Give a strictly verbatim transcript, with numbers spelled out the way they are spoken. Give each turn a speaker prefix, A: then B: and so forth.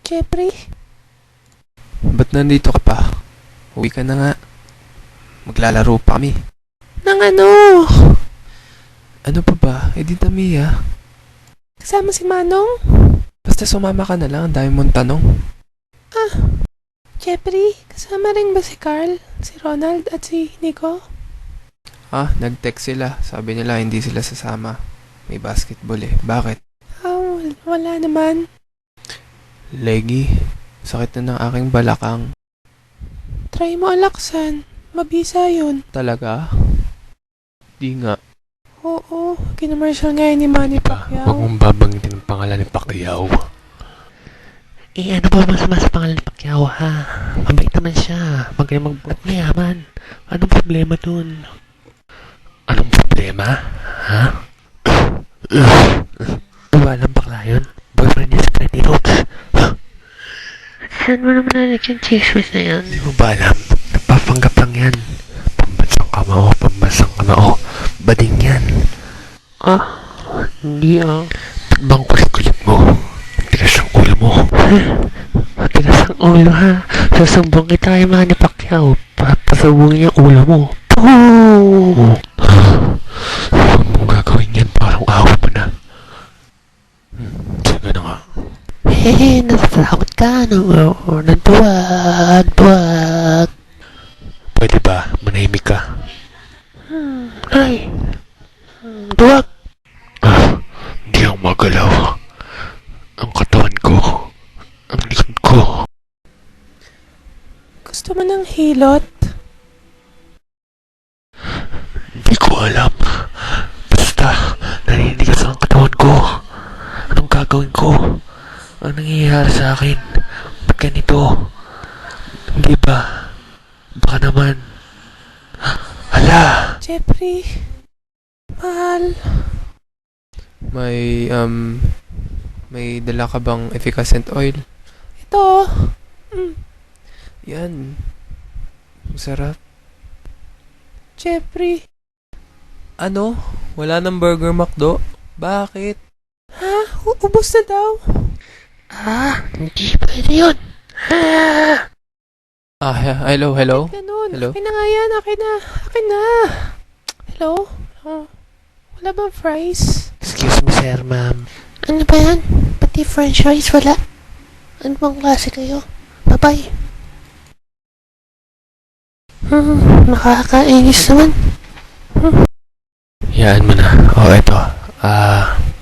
A: Jeffrey?
B: Ba't nandito ka pa? Uwi ka na nga. Maglalaro pa kami.
A: Nang ano?
B: Ano pa ba? Eh di Tamiya.
A: Kasama si Manong?
B: Basta sumama ka na lang. Ang dami mong tanong.
A: Ah, Jeffrey, kasama rin ba si Carl, si Ronald at si Nico?
B: Ah, nag-text sila. Sabi nila hindi sila sasama. May basketball eh. Bakit?
A: Ah, wal- wala naman.
B: Leggy, sakit na ng aking balakang.
A: Try mo alaksan. Mabisa yun.
B: Talaga? Di nga.
A: Oo, kinamarshal nga yun ni Manny
C: Huwag
A: Pacquiao.
C: mong babanggitin ang pangalan ni Pacquiao.
D: Eh, ano ba masama sa pangalan ni Pacquiao, ha? Mabait naman siya. Magaling mag-book mayaman. Anong problema dun?
C: Anong problema? Ha?
D: Walang bakla yun. Boyfriend niya sa Pretty Ropes. Saan mo naman nalagyan yung chismis na yan?
C: Hindi mo ba alam? Nagpapanggap lang yan. Pambansang kamao, pambansang kamao. Bading yan.
D: Ah, hindi ah.
C: Ba't bang kulit-kulit mo? Tigas ang ulo mo.
D: Matigas ang ulo, ha? Sasumbong kita kay Manny Pacquiao. Papasubungin yung ulo mo. Pooh!
C: Huwag mong gagawin yan. Parang awa mo na. Hmm, sige na nga.
D: Hehe, natatakot ka. No, nantuwag, tuwag.
C: Pwede ba? Manahimik ka.
D: Hmm, ay. Hmm, tuwag.
C: Ah, hindi ako magalaw. Ang katawan ko. Ang likod ko.
A: Gusto mo ng hilot?
C: Hindi ko alam. Basta, naninigas ang katawan ko. Anong gagawin ko? Ang nangyayari sa akin? Ba't ganito? Hindi ba? Baka naman. Hala!
A: Jeffrey, mahal.
B: May, um, may dala ka bang efficacent oil?
A: Ito. Mm,
B: Yan. Masarap.
A: Jeffrey.
B: Ano? Wala ng Burger McDo? Bakit?
A: Ha? Uubos na daw.
D: Ah, hindi pwede yun. Ah!
B: Ah, he- hello, hello?
A: Ganun.
B: Hello?
A: Akin na nga yan. Akin na. Akin na. Hello? Oh, wala bang fries?
D: Excuse me, sir, ma'am. Ano ba yan? Pati french fries wala. Ano bang klase kayo? Bye-bye. Hmm, nakakainis naman.
C: Yaan mo na. O, eto. Ah,